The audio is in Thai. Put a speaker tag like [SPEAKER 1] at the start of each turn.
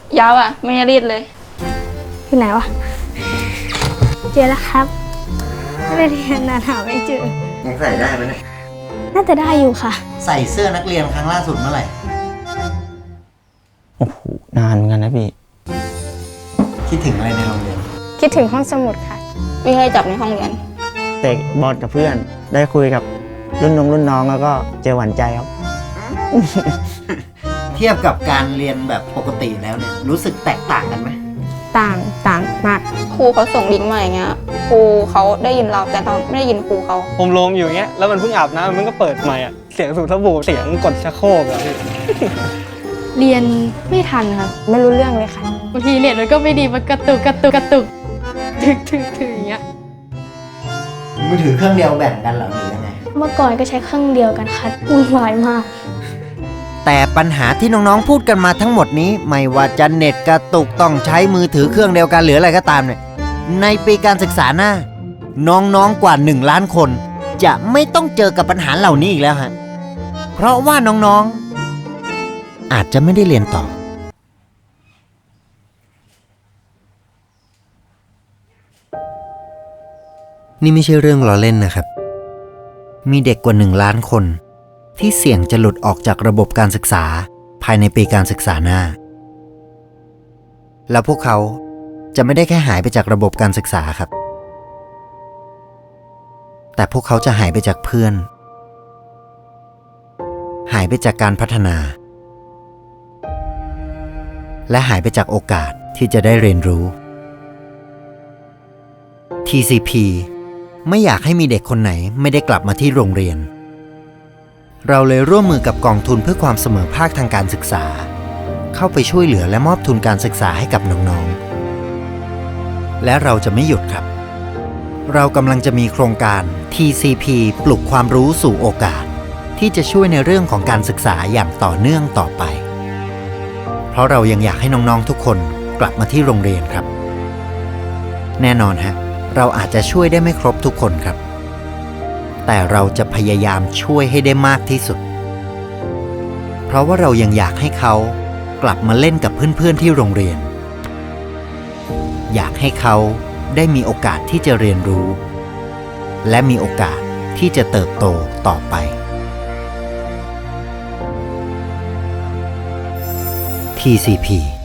[SPEAKER 1] ยาวอ่ะไม่รีดเลย
[SPEAKER 2] อยู่ไหนวะเจอแล้วครับไม่ได้เรียนนานหาไม่เจอ
[SPEAKER 3] ยังใส่ได้ไหมเนี่ย
[SPEAKER 2] น่าจะได้อยู่ค่ะ
[SPEAKER 3] ใส่เสื้อนักเรียนครั้งล่าสุดเมื่อไหร่
[SPEAKER 4] โอ้โหนานเหมือนกันนะพี่
[SPEAKER 3] คิดถึงอะไรในโรงเรียน
[SPEAKER 2] คิดถึงห้องสมุดค่ะ
[SPEAKER 1] วิ่งไล่จับในห้องเรียน
[SPEAKER 4] เตะบอลกับเพื่อนได้คุยกับรุ่นน้องแล้วก็เจอหวานใจครับ
[SPEAKER 3] เทียบกับการเรียนแบบปกติแล้วเนี่ยรู้สึกแตกต่างกันไหม
[SPEAKER 2] ต่างมาก
[SPEAKER 1] ครูเขาส่งลิงก์มาอย่างเงี้ยครูเขาได้ยินเราแต่เราไม่ได้ยินครูเขา
[SPEAKER 5] ผมลมอยู่อย่างเงี้ยแล้วมันเพิ่งอาบน้ำมันก็เปิดใหม่อ่ะเสียงสูบสบู่เสียงกดชักโครกอะพี่
[SPEAKER 2] เรียนไม่ทันครับไม่รู้เรื่องเลยค่ะบางทีเน็ตมันก็ไม่ดีมันกระตุกถึงอย่างเงี้ย
[SPEAKER 3] มือถือเครื่องเดียวแบ่งกันเหรอหรือยังไง
[SPEAKER 2] เมื่อก่อนก็ใช้เครื่องเดียวกันค่ะวุ่นวายมาก
[SPEAKER 3] แต่ปัญหาที่น้องๆพูดกันมาทั้งหมดนี้ไม่ว่าจะเน็ตกระตุกต้องใช้มือถือเครื่องเดียวกันหรืออะไรก็ตามเนี่ยในปีการศึกษาหน้าน้องๆกว่า1 ล้านคนจะไม่ต้องเจอกับปัญหาเหล่านี้อีกแล้วฮะเพราะว่าน้องๆอาจจะไม่ได้เรียนต่อนี่ไม่ใช่เรื่องล้อเล่นนะครับมีเด็กกว่า1 ล้านคนที่เสี่ยงจะหลุดออกจากระบบการศึกษาภายในปีการศึกษาหน้าแล้วพวกเขาจะไม่ได้แค่หายไปจากระบบการศึกษาครับแต่พวกเขาจะหายไปจากเพื่อนหายไปจากการพัฒนาและหายไปจากโอกาสที่จะได้เรียนรู้ TCP ไม่อยากให้มีเด็กคนไหนไม่ได้กลับมาที่โรงเรียนเราเลยร่วมมือกับกองทุนเพื่อความเสมอภาคทางการศึกษาเข้าไปช่วยเหลือและมอบทุนการศึกษาให้กับน้องๆและเราจะไม่หยุดครับเรากำลังจะมีโครงการ TCP ปลุกความรู้สู่โอกาสที่จะช่วยในเรื่องของการศึกษาอย่างต่อเนื่องต่อไปเพราะเรายังอยากให้น้องๆทุกคนกลับมาที่โรงเรียนครับแน่นอนฮะเราอาจจะช่วยได้ไม่ครบทุกคนครับแต่เราจะพยายามช่วยให้ได้มากที่สุดเพราะว่าเรายังอยากให้เขากลับมาเล่นกับเพื่อนๆที่โรงเรียนอยากให้เขาได้มีโอกาสที่จะเรียนรู้และมีโอกาสที่จะเติบโตต่อไป TCP